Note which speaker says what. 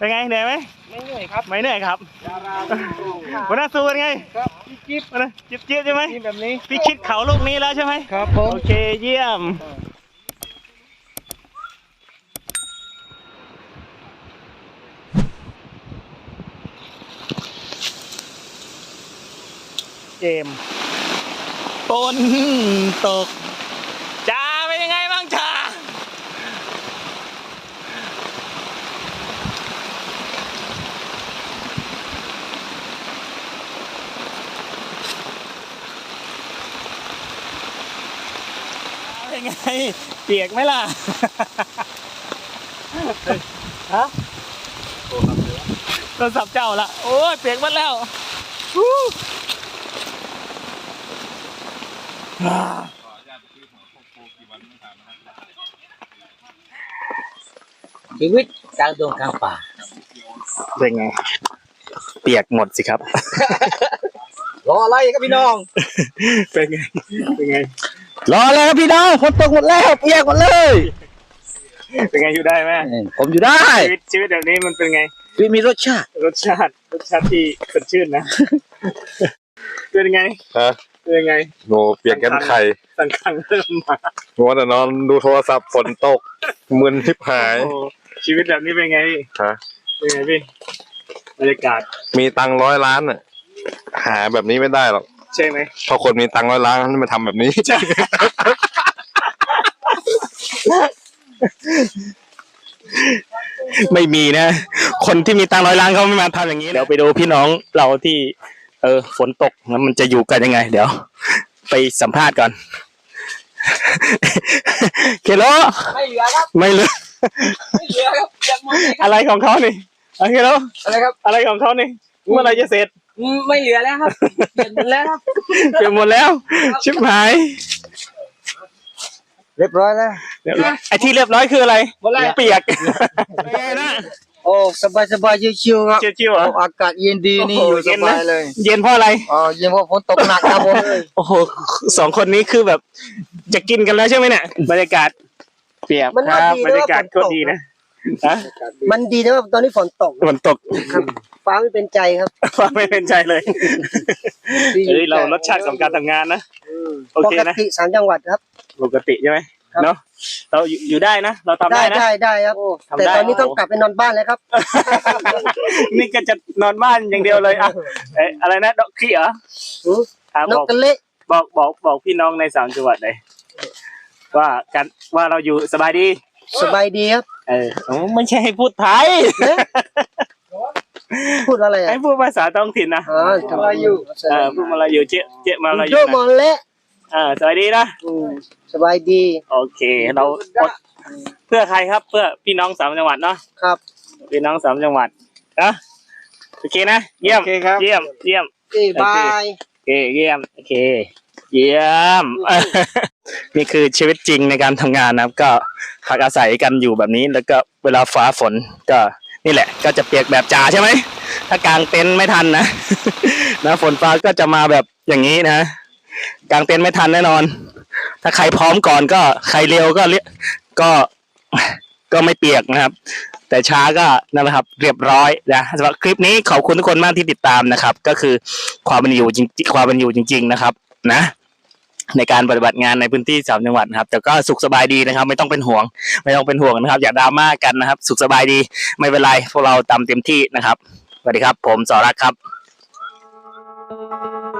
Speaker 1: เป็นไงเหนื่อยไหม
Speaker 2: ไม่เหนื่อยครับ
Speaker 1: ไม่เหนื่อยครับวันนั้นสู้เป็นไง
Speaker 2: ครับจิ๊บ
Speaker 1: วันนั้นจิ๊บใช่ไหม
Speaker 2: แบบนี้
Speaker 1: พี่คิดเขาลูกนี้แล้วใช่ไหม
Speaker 2: ครับผม
Speaker 1: โอเคเยี่ยมเกมฝนตกจ้าเป็นยังไงบ้างจ้าเป็นไงเปียกไหมล่ะฮะโทรศัพท์เจ้าละโอ้ยเปียกหมดแล้ว
Speaker 2: ชีวิตกลางดงกลางป่า
Speaker 1: เป็นไงเปียกหมดสิครับ
Speaker 2: รออะไรครับพี่น้อง
Speaker 1: เป็นไง
Speaker 2: รออะไรครับพี่น้องฝนตกหมดแล้วเปียกหมดเลย
Speaker 1: เป็นไงอยู่ได้ไหม
Speaker 2: ผมอยู่ได้
Speaker 1: ชีวิตแบบนี้มันเป็นไง
Speaker 2: มีรสชาติ
Speaker 1: ที่สดชื่นนะเป็นไง
Speaker 3: ฮะ
Speaker 1: เป็นไง
Speaker 3: โง่เปลี่ยนกันไข่
Speaker 1: สังขังเริ่มมา
Speaker 3: มัวแต่นอนดูโทรศัพท์ฝนตกมึนทิพหาย
Speaker 1: ชีวิตแบบนี้เป็นไงพี่
Speaker 3: ฮะ
Speaker 1: เป็นไงพี่บรรยากาศ
Speaker 3: มีตังค์100 ล้านอ่ะหาแบบนี้ไม่ได้หรอก
Speaker 1: ใช่ไหม
Speaker 3: เพราะคนมีตังค์100 ล้านมาทำแบบนี้ใช่
Speaker 1: ไม่มีนะคนที่มีตังค์100 ล้านเขาไม่มาทำอย่างนี้เดี๋ยวไปดูพี่น้องเราที่ฝนตกแล้วมันจะอยู่กันยังไงเดี๋ยวไปสัมภาษณ์ก่อนเคโล
Speaker 2: ไม่เหลือครับ
Speaker 1: ไม่เหลือ
Speaker 2: ครับ
Speaker 1: อะไรของเขานี่เคโล
Speaker 2: อะไรครับ
Speaker 1: อะไรของเขานี่เมื่อไรจะเสร็จ
Speaker 2: ไม่เหลือแล้วครับเปลี่ยนหมดแล้วครับ
Speaker 1: เปลี่ยนหมดแล้วชิบหาย
Speaker 2: เรียบร้อยแล้ว
Speaker 1: ไอ้ที่เรียบร้อยคืออะไรเปียกนะ
Speaker 2: โอ้สบายชิวๆครับ
Speaker 1: ชิวๆ
Speaker 2: อากาศเย็นดีนี่อยู่สบายเลย
Speaker 1: เย็นเพราะอะไร
Speaker 2: เย็นเพราะฝนตกหนักครับผม
Speaker 1: โอ้โห2 คนนี้คือแบบจะกินกันแล้วใช่ไหมเนี่ยบรรยากาศเปียกครับบรรยากาศก็ดีนะ
Speaker 2: มันดีนะว่าตอนนี้ฝนตกครับฟ้าไม่เป็นใจครับ
Speaker 1: ฟ้าไม่เป็นใจเลยเรารสชาติของการทำงานนะโอเคนะ
Speaker 2: ปกติ3 จังหวัดครับ
Speaker 1: ปกติใช่ไหมเนาะเราอยู่ได้นะเราทำได้นะ
Speaker 2: ได้ครับแต่ตอนนี้ต้องกลับไปนอนบ้านแล้วครับ
Speaker 1: นี่ก็จะนอนบ้านอย่างเดียวเลยอะไรนะดอกขี้เหร
Speaker 2: นกกระเละ
Speaker 1: บอกพี่น้องใน3 จังหวัดเลยว่าเราอยู่สบายดี
Speaker 2: ครับ
Speaker 1: ไม่ใช่ให้พูดไทย
Speaker 2: พูดอะไร
Speaker 1: ให้พูดภาษาท้องถิ่นนะ
Speaker 2: มาลายู
Speaker 1: พูดมาลายูเจ๊มาลายู
Speaker 2: มอลเละ
Speaker 1: สบายดีนะ
Speaker 2: สบายดี
Speaker 1: โอเคเราเพื่อใครครับเพื่อพี่น้อง3 จังหวัดเนาะ
Speaker 2: ครับ
Speaker 1: พี่น้อง3 จังหวัดนะโอเคนะเยี่ยม
Speaker 2: บาย
Speaker 1: โอเคเยี่ยมโอเคเยี่ยมนี่คือชีวิตจริงในการทำงานนะครับก็พักอาศัยกันอยู่แบบนี้แล้วก็เวลาฟ้าฝนก็นี่แหละก็จะเปียกแบบจ่าใช่ไหมถ้ากางเต็นท์ไม่ทันนะฝนฟ้าก็จะมาแบบอย่างนี้นะกางเต็นท์ไม่ทันแน่นอนถ้าใครพร้อมก่อนก็ใครเร็วก็ไม่เปียกนะครับแต่ช้าก็นั่นแหละครับเรียบร้อยนะสำหรับคลิปนี้ขอบคุณทุกคนมากที่ติดตามนะครับก็คือความเป็นอยู่จริงๆนะครับนะในการปฏิบัติงานในพื้นที่3 จังหวัดนะครับแต่ก็สุขสบายดีนะครับไม่ต้องเป็นห่วงนะครับอย่าดราม่ากันนะครับสุขสบายดีไม่เป็นไรพวกเราทำเต็มที่นะครับสวัสดีครับผมสรักครับ